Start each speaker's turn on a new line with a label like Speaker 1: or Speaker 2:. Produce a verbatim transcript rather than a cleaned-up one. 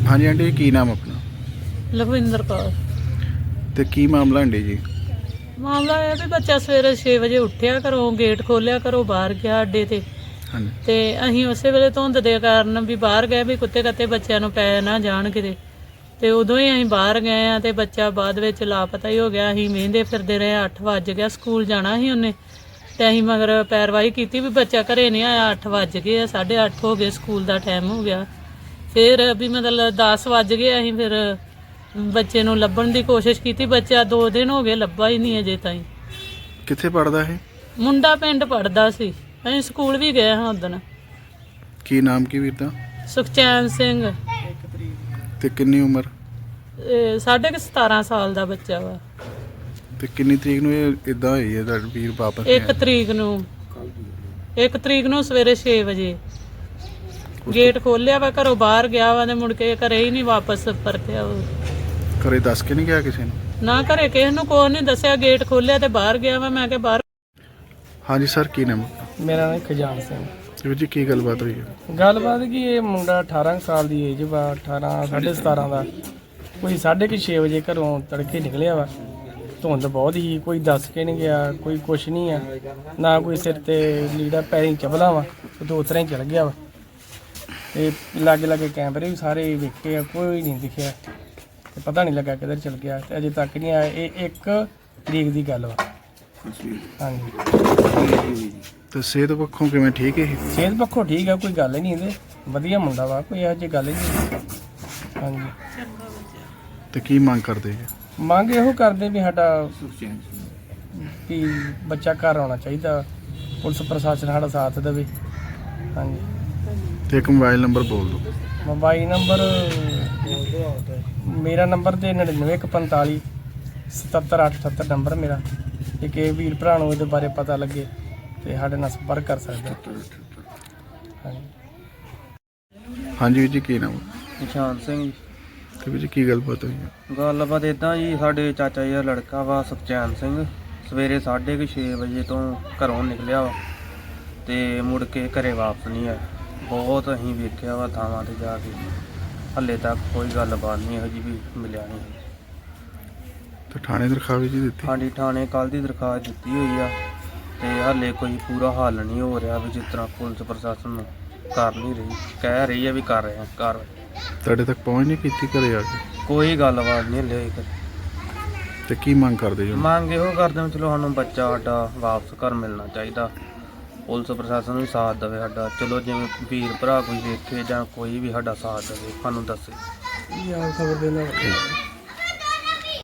Speaker 1: ਹਾਂਜੀ ਆਂਟੀ ਕੀ ਨਾਮ ਆਪਣਾ?
Speaker 2: ਲਖਵਿੰਦਰ ਕੌਰ।
Speaker 1: ਤੇ ਕੀ ਮਾਮਲਾ ਆਂਟੀ ਜੀ?
Speaker 2: ਮਾਮਲਾ ਇਹ ਵੀ ਬੱਚਾ ਸਵੇਰੇ ਛੇ ਵਜੇ ਉੱਠਿਆ ਘਰੋਂ, ਗੇਟ ਖੋਲ੍ਹਿਆ ਘਰੋਂ ਬਾਹਰ ਗਿਆ ਅੱਡੇ ਤੇ
Speaker 1: ਹਾਂਜੀ
Speaker 2: ਤੇ ਅਸੀਂ ਉਸੇ ਵੇਲੇ ਧੁੰਦ ਦੇ ਕਾਰਨ ਵੀ ਬਾਹਰ ਗਏ ਵੀ ਕੁੱਤੇ ਕੱਤੇ ਬੱਚਿਆਂ ਨੂੰ ਪੈ ਨਾ ਜਾਣ ਕਿਤੇ, ਤੇ ਉਦੋਂ ਹੀ ਅਸੀਂ ਬਾਹਰ ਗਏ ਆ ਤੇ ਬੱਚਾ ਬਾਅਦ ਵਿੱਚ ਲਾਪਤਾ ਹੀ ਹੋ ਗਿਆ। ਅਸੀਂ ਮਹਿੰਦੇ ਫਿਰਦੇ ਰਹੇ, ਅੱਠ ਵੱਜ ਗਿਆ, ਸਕੂਲ ਜਾਣਾ ਸੀ ਉਹਨੇ ਤੇ ਅਸੀਂ ਮਗਰ ਪੈਰਵਾਈ ਕੀਤੀ ਵੀ ਬੱਚਾ ਘਰੇ ਨਹੀਂ ਆਇਆ। ਅੱਠ ਵੱਜ ਗਏ, ਸਾਢੇ ਅੱਠ ਹੋ ਗਏ, ਸਕੂਲ ਦਾ ਟਾਈਮ ਹੋ ਗਿਆ। ਫਿਰ ਵੀ ਮਤਲਬ ਦਸ ਵੱਜ ਗਏ, ਅਸੀਂ ਫਿਰ ਬੱਚੇ ਨੂੰ ਲੱਭਣ ਦੀ ਕੋਸ਼ਿਸ਼ ਕੀਤੀ। ਬੱਚਾ ਦੋ ਦਿਨ ਹੋ ਗਏ ਲੱਭਾ ਹੀ ਨਹੀਂ ਅਜੇ ਤਾਈਂ।
Speaker 1: ਕਿੱਥੇ ਪੜਦਾ ਇਹ? ਮੁੰਡਾ
Speaker 2: ਪਿੰਡ ਪੜਦਾ ਸੀ, ਅਸੀਂ ਸਕੂਲ ਵੀ ਗਏ ਹਾਂ ਉਦਣ।
Speaker 1: ਕੀ ਨਾਮ ਕੀ ਵੀਰ ਦਾ?
Speaker 2: ਸੁਖਚੈਨ ਸਿੰਘ।
Speaker 1: ਤੇ ਕਿੰਨੀ ਉਮਰ?
Speaker 2: ਇਹ ਸਾਢੇ ਕੁ ਸਤਾਰਾਂ ਸਾਲ ਦਾ ਬੱਚਾ ਵਾ।
Speaker 1: ਤੇ ਕਿੰਨੀ ਤਰੀਕ ਨੂੰ ਇਹ ਇਦਾਂ ਹੋਈ ਹੈ ਤੁਹਾਡਾ ਵੀਰ ਵਾਪਸ?
Speaker 2: ਇੱਕ ਤਰੀਕ ਨੂੰ ਇੱਕ ਤਰੀਕ ਨੂੰ ਸਵੇਰੇ ਛੇ ਵਜੇ ਗੇਟ ਖੋਲਿਆ ਵਾ, ਘਰੋਂ ਬਾਹਰ ਗਿਆ ਵਾ ਤੇ ਮੁੜ ਕੇ ਘਰੇ ਹੀ ਨਹੀਂ ਵਾਪਸ ਪਰਤਿਆ। ਉਹ
Speaker 1: ਘਰੇ ਦੱਸ ਕੇ ਨਹੀਂ ਗਿਆ ਕਿਸੇ ਨੂੰ?
Speaker 2: ਨਾ ਘਰੇ ਕਿਸੇ ਨੂੰ ਕੋਈ ਨਹੀਂ ਦੱਸਿਆ, ਗੇਟ ਖੋਲਿਆ ਤੇ ਬਾਹਰ ਗਿਆ ਵਾ। ਮੈਂ ਕਿਹਾ ਬਾਹਰ।
Speaker 1: ਹਾਂਜੀ ਸਰ ਕੀ ਨਾਮ?
Speaker 3: ਮੇਰਾ ਨਾਮ ਖਜਾਨ ਸਿੰਘ।
Speaker 1: ਵੀਰ ਜੀ ਕੀ ਗੱਲਬਾਤ ਹੋਈ ਹੈ?
Speaker 3: ਗੱਲਬਾਤ ਕੀ, ਇਹ ਮੁੰਡਾ ਅਠਾਰਾਂ ਕੁ ਸਾਲ ਦੀ ਏਜ ਵਾ, ਅਠਾਰਾਂ ਸਾਢੇ ਸਤਾਰਾਂ ਦਾ। ਕੋਈ ਸਾਢੇ ਕੁ ਛੇ ਵਜੇ ਘਰੋਂ ਤੜਕੇ ਨਿਕਲਿਆ ਵਾ। ਧੁੰਦ ਬਹੁਤ ਹੀ, ਕੋਈ ਦੱਸ ਕੇ ਨਹੀਂ ਗਿਆ, ਕੋਈ ਕੁਛ ਨਹੀਂ ਆ, ਨਾ ਕੋਈ ਸਿਰ ਤੇ ਲੀੜਾ, ਪੈਰੀਂ ਚਪਲਾ ਵਾ, ਉਹ ਉਸ ਤਰ੍ਹਾਂ ਹੀ ਚਲ ਗਿਆ ਵਾ। ਤੇ ਲਾਗੇ ਲਾਗੇ ਕੈਮਰੇ ਵੀ ਸਾਰੇ ਵੇਖੇ ਆ, ਕੋਈ ਨਹੀਂ ਦਿਖਿਆ ਤੇ ਪਤਾ ਨਹੀਂ ਲੱਗਾ ਕਿੱਧਰ ਚਲ ਗਿਆ ਤੇ ਅਜੇ ਤੱਕ ਨਹੀਂ ਆਇਆ। ਇਹ ਇੱਕ ਤਰੀਕ ਦੀ ਗੱਲ ਵਾ। ਹਾਂਜੀ।
Speaker 1: ਤੇ ਸਿਹਤ ਪੱਖੋਂ ਕਿਵੇਂ ਠੀਕ ਹੈ?
Speaker 3: ਸਿਹਤ ਪੱਖੋਂ ਠੀਕ ਆ, ਕੋਈ ਗੱਲ ਨਹੀਂ ਇਹਦੇ, ਵਧੀਆ ਮੁੰਡਾ ਵਾ, ਕੋਈ ਇਹੋ ਜਿਹੀ ਗੱਲ ਨਹੀਂ। ਹਾਂਜੀ।
Speaker 1: ਤੇ ਕੀ ਮੰਗ ਕਰਦੇ ਜੀ?
Speaker 3: ਮੰਗ ਇਹੋ ਕਰਦੇ ਵੀ ਸਾਡਾ ਵੀ ਬੱਚਾ ਘਰ ਆਉਣਾ ਚਾਹੀਦਾ, ਪੁਲਿਸ ਪ੍ਰਸ਼ਾਸਨ ਸਾਡਾ ਸਾਥ ਦੇਵੇ। ਹਾਂਜੀ।
Speaker 1: ਤੇ ਇੱਕ ਮੋਬਾਈਲ ਨੰਬਰ ਬੋਲ ਦਿਓ।
Speaker 3: ਮੋਬਾਈਲ ਨੰਬਰ ਮੇਰਾ ਨੰਬਰ ਤੇ ਨੜਿਨਵੇਂ ਇੱਕ ਪੰਤਾਲੀ ਸਤੱਤਰ ਅੱਠ ਅਠੱਤਰ ਨੰਬਰ ਮੇਰਾ। ਜੇ ਕਿਸੇ ਵੀਰ ਭਰਾ ਨੂੰ ਇਹਦੇ ਬਾਰੇ ਪਤਾ ਲੱਗੇ ਤੇ ਸਾਡੇ ਨਾਲ ਸੰਪਰਕ ਕਰ ਸਕਦੇ। ਹਾਂਜੀ।
Speaker 1: ਹਾਂਜੀ ਵੀਰ ਜੀ ਕੀ ਨਾਮ?
Speaker 4: ਨਿਸ਼ਾਨ ਸਿੰਘ।
Speaker 1: ਤੇ ਵੀਰ ਜੀ ਕੀ ਗੱਲਬਾਤ ਹੋਈ ਹੈ?
Speaker 4: ਗੱਲਬਾਤ ਇੱਦਾਂ ਜੀ, ਸਾਡੇ ਚਾਚਾ ਜੀ ਦਾ ਲੜਕਾ ਵਾ ਸੁਖਚੈਨ ਸਿੰਘ, ਸਵੇਰੇ ਸਾਢੇ ਕੁ ਛੇ ਵਜੇ ਤੋਂ ਘਰੋਂ ਨਿਕਲਿਆ ਵਾ ਤੇ ਮੁੜ ਕੇ ਘਰੇ ਵਾਪਸ ਨਹੀਂ ਆਇਆ। ਬਹੁਤ ਅਸੀਂ ਵੇਖਿਆ ਵਾ ਥਾਵਾਂ 'ਤੇ ਜਾ ਕੇ, ਹਾਲੇ ਤੱਕ ਕੋਈ ਗੱਲਬਾਤ ਨਹੀਂ ਇਹੋ ਜਿਹੀ ਵੀ ਮਿਲਿਆ ਨਹੀਂ।
Speaker 1: ਤੇ ਥਾਣੇ ਦਰਖਾਸਤ ਜੀ ਦਿੱਤੀ?
Speaker 4: ਹਾਂਜੀ, ਥਾਣੇ ਕੱਲ੍ਹ ਦੀ ਦਰਖਾਸਤ ਦਿੱਤੀ ਹੋਈ ਆ ਤੇ ਹਾਲੇ ਕੋਈ ਪੂਰਾ ਹੱਲ ਨਹੀਂ ਹੋ ਰਿਹਾ ਵੀ ਜਿਸ ਤਰ੍ਹਾਂ ਪੁਲਿਸ ਪ੍ਰਸ਼ਾਸਨ ਨੂੰ ਕਰ ਨਹੀਂ ਰਹੀ, ਕਹਿ ਰਹੀ ਹੈ ਵੀ ਕਰ ਰਹੇ ਆ ਕਾਰਵਾਈ।
Speaker 1: ਤੁਹਾਡੇ ਤੱਕ ਪਹੁੰਚ ਨਹੀਂ ਕੀਤੀ ਘਰੇ ਆ ਕੇ?
Speaker 4: ਕੋਈ ਗੱਲਬਾਤ ਨਹੀਂ ਹਲੇ ਹੋਈ।
Speaker 1: ਤੇ ਕੀ ਮੰਗ ਕਰਦੇ ਜੀ?
Speaker 4: ਮੰਗ ਇਹੋ ਕਰਦੇ ਹਾਂ, ਚਲੋ ਸਾਨੂੰ ਬੱਚਾ ਸਾਡਾ ਵਾਪਸ ਘਰ ਮਿਲਣਾ ਚਾਹੀਦਾ। ਪੁਲਿਸ ਪ੍ਰਸ਼ਾਸਨ ਵੀ ਸਾਥ ਦੇਵੇ ਸਾਡਾ, ਚਲੋ ਜਿਵੇਂ ਵੀਰ ਭਰਾ ਕੋਈ ਵੇਖੇ ਜਾਂ ਕੋਈ ਵੀ ਸਾਡਾ ਸਾਥ ਦੇਵੇ, ਸਾਨੂੰ ਦੱਸੇ।
Speaker 3: ਖਬਰ ਦੇਣਾ।